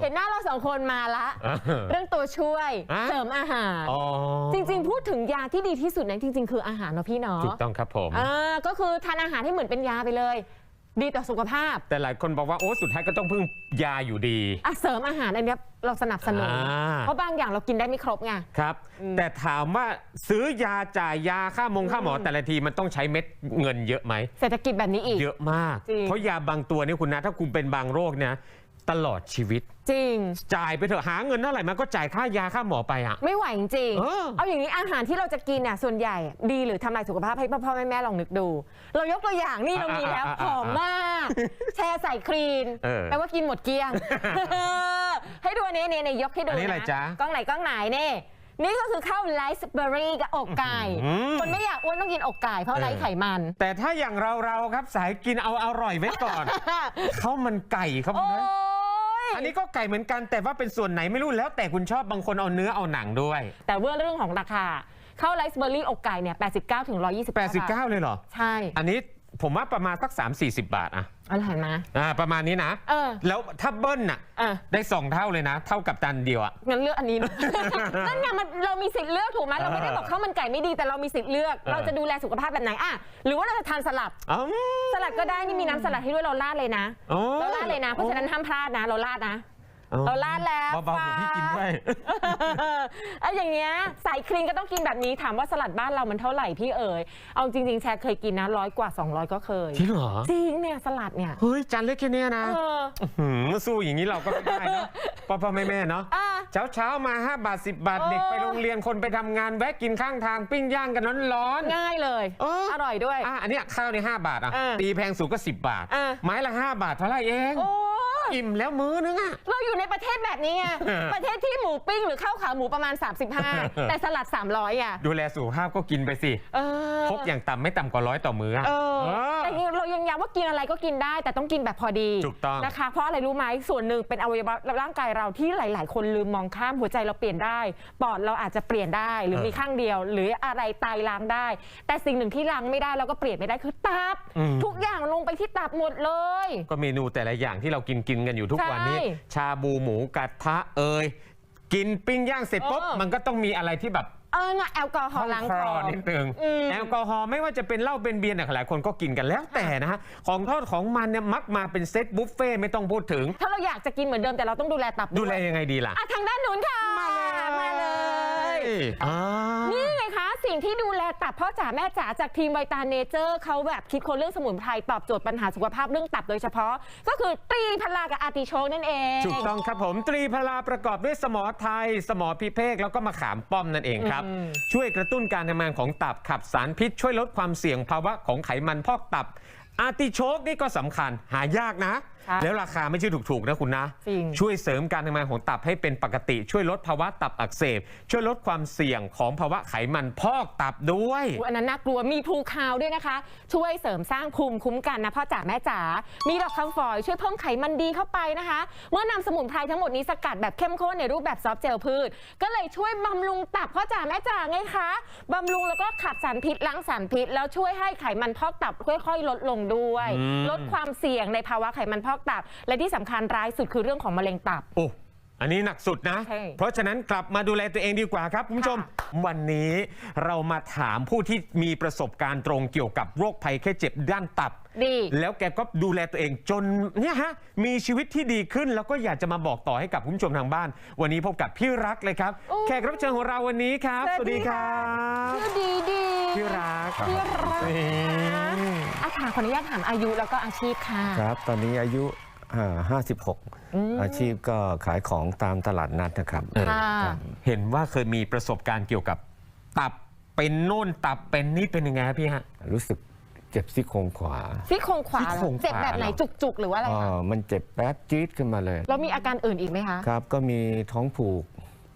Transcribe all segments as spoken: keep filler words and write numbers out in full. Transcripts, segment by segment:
หน้าเราสองคนมาละเรื่องตัวช่วยเสริมอาหารจริงๆพูดถึงยาที่ดีที่สุดนั้นจริงๆคืออาหารเนาะพี่เนาะถูกต้องครับผมอ่าก็คือทานอาหารให้เหมือนเป็นยาไปเลยดีต่อสุขภาพแต่หลายคนบอกว่าโอ้สุดท้ายก็ต้องพึ่งยาอยู่ดีอ่ะเสริมอาหารอันนี้เราสนับสนุนเพราะบางอย่างเรากินได้ไม่ครบไงครับแต่ถามว่าซื้อยาจ่ายยาค่ามงค่าหมอแต่ละทีมันต้องใช้เม็ดเงินเยอะไหมเศรษฐกิจแบบนี้อีกเยอะมากเพราะยาบางตัวนี่คุณนะถ้าคุณเป็นบางโรคเนี่ยตลอดชีวิตจริงจ่ายไปเถอะหาเงินเท่าไหร่มันก็จ่ายค่ายาค่าหมอไปอ่ะไม่ไหวจริงเออเอาอย่างนี้อาหารที่เราจะกินน่ะส่วนใหญ่ดีหรือทำลายสุขภาพให้พ่อพ่อแม่แม่ลองนึกดูเรายกตัวอย่างนี่เรามีแล้วหอมมากแช่ใส่ครีนแปลว่ากินหมดเกลี้ยงให้ดูนี้นี่ยกให้ดูนะกล้องไหนกล้องไหนนี่นี่ก็คือข้าวไรซ์เบอร์รี่กับอกไก่คนไม่อยากอ้วนต้องกินอกไก่เพราะไร้ไขมันแต่ถ้าอย่างเราเราครับสายกินเอาอร่อยไว้ก่อนข้าวมันไก่ครับนะอันนี้ก็ไก่เหมือนกันแต่ว่าเป็นส่วนไหนไม่รู้แล้วแต่คุณชอบบางคนเอาเนื้อเอาหนังด้วยแต่เรื่องของราคาข้าวไรซ์เบอร์รี่อกไก่เนี่ยแปดสิบเก้าถึงหนึ่งร้อยยี่สิบแปดสิบเก้าเลยเหรอใช่อันนี้ผมว่าประมาณสัก สามสี่สิ บาทอะอะไรเห็นไหมอ่าประมาณนี้นะเออแล้วถ้าเบิ้ลน่ะได้สองเท่าเลยนะเท่ากับจานเดียวอะงั้นเลือกอันนี้นั่นไงมันเรามีสิทธิ์เลือกถูกไหมเราไม่ได้บอกข้าวมันไก่ไม่ดีแต่เรามีสิทธิ์เลือกเราจะดูแลสุขภาพแบบไหนอ่ะหรือว่าเราจะทานสลัดสลัดก็ได้นี่มีน้ำสลัดให้ด้วยเราราดเลยนะเราราดเลยนะเพราะฉะนั้นห้ามพลาดนะเราราดนะเราลาดแล้วเบาๆพี่กินด้วยไอ้อย่างเงี้ยใส่ครีมก็ต้องกินแบบนี้ถามว่าสลัดบ้านเรามันเท่าไหร่พี่เอ๋ยเอาจริงๆแชร์เคยกินนะร้อยกว่าสองร้อยก็เคยจริงเหรอจริงเนี่ยสลัดเนี่ยเฮ้ยจานเล็กแค่นี้นะสู้อย่างนี้เราก็ไม่ได้เนาะพ่อพ่อแม่แม่เนาะเช้าเช้ามาห้าบาทสิบบาทเด็กไปโรงเรียนคนไปทำงานแวะกินข้างทางปิ้งย่างกันร้อนๆง่ายเลยอร่อยด้วยอ่ะอันนี้ข้าวในห้าบาทอ่ะตีแพงสุดก็สิบบาทไม้ละห้าบาทเท่าไหร่เองอิ่มแล้วมื้อนึงอะเราอยู่ในประเทศแบบนี้ไงประเทศที่หมูปิ้งหรือข้าวขาหมูประมาณสามสิบห้าแต่สลัดสามร้อยอ่ะดูแลสุขภาพก็กินไปสิพกอย่างต่ำไม่ต่ำกว่าร้อยต่อมื้อแต่เรายังย้ำว่ากินอะไรก็กินได้แต่ต้องกินแบบพอดีถูกต้องนะคะเพราะอะไรรู้ไหมส่วนหนึ่งเป็นอวัยวะร่างกายเราที่หลายๆคนลืมมองข้ามหัวใจเราเปลี่ยนได้ปอดเราอาจจะเปลี่ยนได้หรือมีข้างเดียวหรืออะไรไตล้างได้แต่สิ่งหนึ่งที่ล้างไม่ได้แล้วก็เปลี่ยนไม่ได้คือตับทุกอย่างลงไปที่ตับหมดเลยก็เมนูแต่ละอย่างที่เรากินกินกันอยู่ทุกวันนี้ชาบูหมูกระทะเอ่ยกินปิ้งย่างเสร็จปุ๊บมันก็ต้องมีอะไรที่แบบเออแอลกอฮอล์ล้างคอนิดนึงแอลกอฮอล์ไม่ว่าจะเป็นเหล้าเป็นเบียร์เนี่ยหลายคนก็กินกันแล้วแต่นะฮะของทอดของมันเนี่ยมักมาเป็นเซตบุฟเฟ่ไม่ต้องพูดถึงถ้าเราอยากจะกินเหมือนเดิมแต่เราต้องดูแลตับดูแลยังไงดีล่ะทางด้านนู้นค่ะมาเลยนี่ไงคะสิ่งที่ดูแลตับพ่อจ๋าแม่จ๋าจากทีมไวตาเนเจอร์เขาแบบคิดคนเรื่องสมุนไพรตอบโจทย์ปัญหาสุขภาพเรื่องตับโดยเฉพาะก็คือตรีพลากับอาร์ติโชกนั่นเองถูกต้องครับผมตรีพลาประกอบด้วยสมอไทยสมอพิเภกแล้วก็มะขามป้อมนั่นเองครับช่วยกระตุ้นการทำงานของตับขับสารพิษช่วยลดความเสี่ยงภาวะของไขมันพอกตับอาร์ติโชกนี่ก็สำคัญหายากนะแล้วราคาไม่ใช่ถูกๆนะคุณนะช่วยเสริมการทำงานของตับให้เป็นปกติช่วยลดภาวะตับอักเสบช่วยลดความเสี่ยงของภาวะไขมันพอกตับด้วยอันนั้นน่ากลัวมีพลูคาวด้วยนะคะช่วยเสริมสร้างภูมิคุ้มกันนะพ่อจ๋าแม่จ๋ามีดอกคำฝอยช่วยเพิ่มไขมันดีเข้าไปนะคะเมื่อนำสมุนไพรทั้งหมดนี้สกัดแบบเข้มข้นในรูปแบบซอฟต์เจลพืชก็เลยช่วยบำรุงตับพ่อจ๋าแม่จ๋าไงคะบำรุงแล้วก็ขับสารพิษล้างสารพิษแล้วช่วยให้ไขมันพอกตับค่อยๆลดลงด้วยลดความเสี่ยงในภาวะไขมันพอกตับและที่สำคัญร้ายสุดคือเรื่องของมะเร็งตับโอ้อันนี้หนักสุดนะเพราะฉะนั้นกลับมาดูแลตัวเองดีกว่าครับคุณผู้ชมวันนี้เรามาถามผู้ที่มีประสบการณ์ตรงเกี่ยวกับโรคภัยแค่เจ็บด้านตับดีแล้วแกก็ดูแลตัวเองจนเนี่ยฮะมีชีวิตที่ดีขึ้นแล้วก็อยากจะมาบอกต่อให้กับคุณผู้ชมทางบ้านวันนี้พบกับพี่รักเลยครับแขกรับเชิญของเราวันนี้ครับสวัสดีครับชื่อดีดีพี่รักพี่รักอาค่ะขออนุญาตถามอายุแล้วก็อาชีพค่ะครับตอนนี้อายุห้าสิบหกอาชีพก็ขายของตามตลาดนัดนะครับเห็นว่าเคยมีประสบการณ์เกี่ยวกับตับเป็นโน่นตับเป็นนี่เป็นยังไงครับพี่ฮะรู้สึกเจ็บซี่โครงขวาซี่โครงขวาเจ็บแบบไหนจุกๆหรือว่าอะไรคะมันเจ็บแป๊บจี๊ดขึ้นมาเลยแล้วมีอาการอื่นอีกไหมคะครับก็มีท้องผูก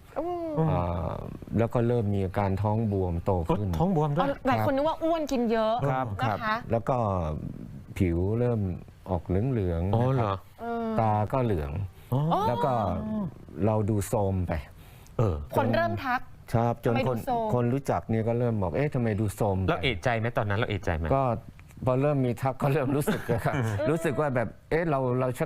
แล้วก็เริ่มมีอาการท้องบวมโตขึ้นท้องบวมด้วยหลายคนนึกว่าอ้วนกินเยอะครับครับแล้วก็ผิวเริ่มออกเหลืองๆนะครับตาก็เหลืองแล้วก็เราดูโทรมไปคนเริ่มทักครับจนคนคนรู้จักเนี่ยก็เริ่มบอกเอ๊ะทำไมดูโทรมแล้วเอะใจไหมตอนนั้นเราเอะใจไหมก็พอเริ่มมีทักก็เริ่มรู้สึกครับรู้สึกว่าแบบเอ๊ะเราเราชัก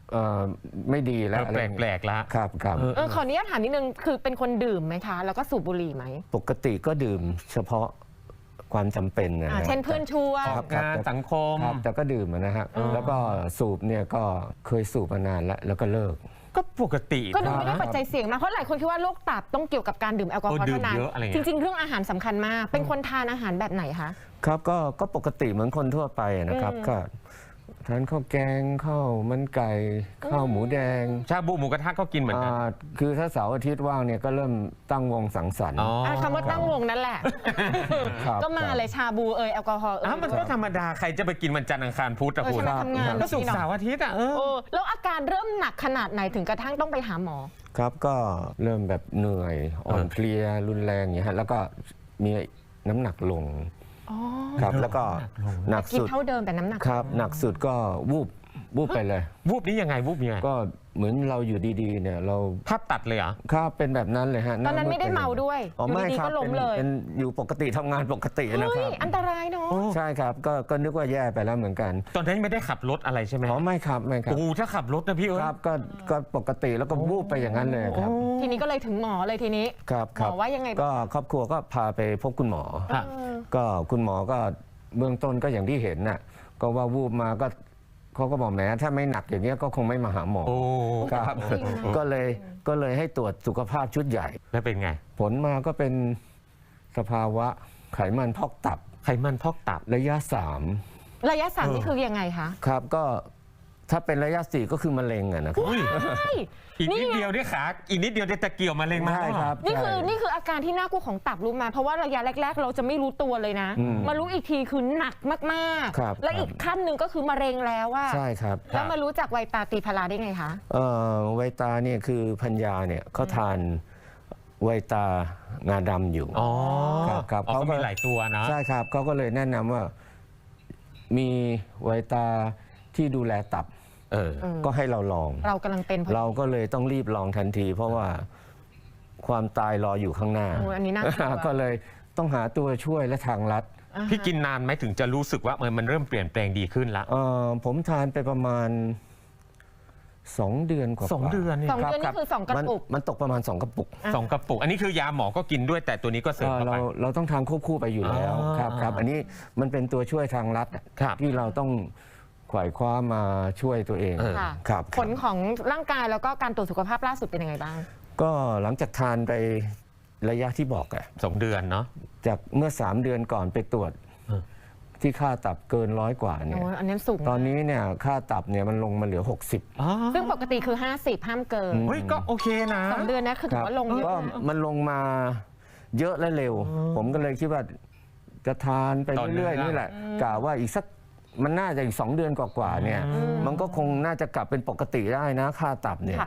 เอ่อไม่ดีแล้วอะไรแปลกๆละครับครับเออขออนุญาตถามนิดนึงคือเป็นคนดื่มไหมคะ แล้วก็สูบบุหรี่ไหมปกติก็ดื่มเฉพาะความจำเป็นนะอ่าฮะเช่นเพื่อนชวนครับงานสังคมครับแต่ก็ดื่มนะฮะแล้วก็สูบเนี่ยก็เคยสูบมานานแล้วแล้วก็เลิกก็ปกติก็ดูไม่ได้นะปัจจัยเสี่ยงมากเพราะหลายคนคิดว่าโรคตับต้องเกี่ยวกับการดื่มแอลกอฮอล์เออดื่มเท่านั้นเยอะอะไรเงี้ยจริง ๆ เรื่องอาหารสำคัญมาก เป็นคนทานอาหารแบบไหนคะครับก็ก็ปกติเหมือนคนทั่วไปนะครับอืมก็ทานข้าวแกงข้าวมันไก่ข้าวหมูแดงชาบูหมูกระทะก็กินเหมือนกันอ่าคือถ้าเสาร์อาทิตย์ว่างเนี่ยก็เริ่มตั้งวงสังสรรค์อ๋ออ่ะคำว่าตั้งวงนั่นแหละครับก็มาเลยชาบูเอยแอลกอฮอล์เอยอ้าวมันก็ธรรมดาใครจะไปกินวันจันทร์อังคารพุธอะเออคุใช่ณไหมทำงานก็สุกร์เสาร์อาทิตย์อะเออเออแล้วอาการเริ่มหนักขนาดไหนถึงกระทั่งต้องไปหาหมอครับก็เริ่มแบบเหนื่อยอ่อนเพลียรุนแรงอย่างเงี้ยฮะแล้วก็มีน้ำหนักลงอ๋อครับแล้วก็หนักกินสุดเท่าเดิมแต่น้ำหนักครับหนักสุดก็วูบวูบไปเลยวูบนี้ยังไงวูบยังไงก็เหมือนเราอยู่ดีๆเนี่ยเราภาพตัดเลยเหรอครับเป็นแบบนั้นเลยฮะตอนนั้นไม่ได้เมาด้วยอ๋ออยู่ไม่ดีคๆรับก็ล้มเป็นเลยเป็นอยู่ปกติทำงานปกตินะเฮ้คยรับอันตรายเนาะใช่ครับก็ก็นึกว่าแย่ไปแล้วเหมือนกันตอนนั้นไม่ได้ขับรถอะไรใช่ไหมอ๋อไม่ครับไม่ครับโอ้ถ้าขับรถนะพี่เอ้ยครับก็ก็ปกติแล้วก็วูบไปอย่างนั้นเลยครับทีนี้ก็เลยถึงหมอเลยทีนี้ครับหคมรัอบ ว่ายังไงบ้างก็ครอบครัวก็พาไปพบคุณหมอครับเออก็คุณหมอก็เบื้องต้นก็อย่างที่เห็นน่ะก็ว่าวูบมาก็เขาก็บอกแหมถ้าไม่หนักอย่างเงี้ยก็คงไม่มาหาหมอโอ้ครับ ก็เลยก็เลยให้ตรวจสุขภาพชุดใหญ่แล้วเป็นไงผลมาก็เป็นสภาวะไขมันพอกตับไขมันพอกตับระยะสามระยะสามนี่คือยังไงคะครับก็ถ้าเป็นระยะสี่ก็คือมะเร็งอะนะครับอุ้ยใช่อีกนิดนี่ไงเดียวที่ขา อีกนิดเดียวจะตะเกียวมาเร็งมาใช่ครับนี่คือใช่นี่คืออาการที่น่ากลัวของตับรู้มา เพราะว่าระยะแรก ๆ เราจะไม่รู้ตัวเลยนะอืมมารู้อีกทีคือหนักมากครับๆ และอีกขั้นหนึ่งก็คือมะเร็งแล้วว่าใช่ครับแล้วมารู้จักไวตาตีพาราได้ไงคะเอ่อไวตาเนี่ยคือพัญญาเนี่ยเขาทานไวตางาดำอยู่อ๋อครับครับอ๋อเขาก็ก็มีหลายตัวนะใช่ครับเขาก็เลยแนะนำว่ามีไวตาที่ดูแลตับเออเออก็ให้เราลองเรากำลังเป็นพอดีเราก็เลยต้องรีบลองทันที เพราะว่าความตายรออยู่ข้างหน้าโอ้ยอันนี้น่ากลัวก็เลยต้องหาตัวช่วยและทางลัดอ่าฮะพี่กินนานไหมถึงจะรู้สึกว่ามันมันเริ่มเปลี่ยนแปลงดีขึ้นละเอ่อผมทานไปประมาณสองเดือนกว่าๆสองเดือนเนี่ยสองเดือนนี่คือสองกระปุกมันมันตกประมาณสองกระปุกสองกระปุก อันนี้คือยาหมอก็กินด้วยแต่ตัวนี้ก็เสริมเอ่อเข้าเราไปเราต้องทานควบคู่ไปอยู่แล้วอ๋อครับครับอันนี้มันเป็นตัวช่วยทางลัดอะครับที่เราต้องขวายคว้ามาช่วยตัวเองเออค่ะครับผลของร่างกายแล้วก็การตรวจสุขภาพล่าสุดเป็นยังไงบ้างก็หลังจากทานไประยะที่บอกอะสองเดือนเนาะจากเมื่อสามเดือนก่อนไปตรวจเออที่ค่าตับเกินร้อยกว่าเนี่ยโอ้ยอันนี้สูงตอนนี้เนี่ยค่าตับเนี่ยมันลงมาเหลือ หกสิบอ๋อซึ่งปกติคือ ห้าสิบ ห้ามเกินเฮ้ยก็โอเคนะสองเดือนนะคือถือว่าลงเยก็อะนะมันลงมาเยอะและเร็ว ผมก็เลยคิดว่าจะทานไปต่อเนื่องเรื่อยๆนี่แหละกะว่าอีกสักมันน่าจะอีกสองเดือนกว่าๆเนี่ย มันก็คงน่าจะกลับเป็นปกติได้นะค่าตับเนี่ยค่ะ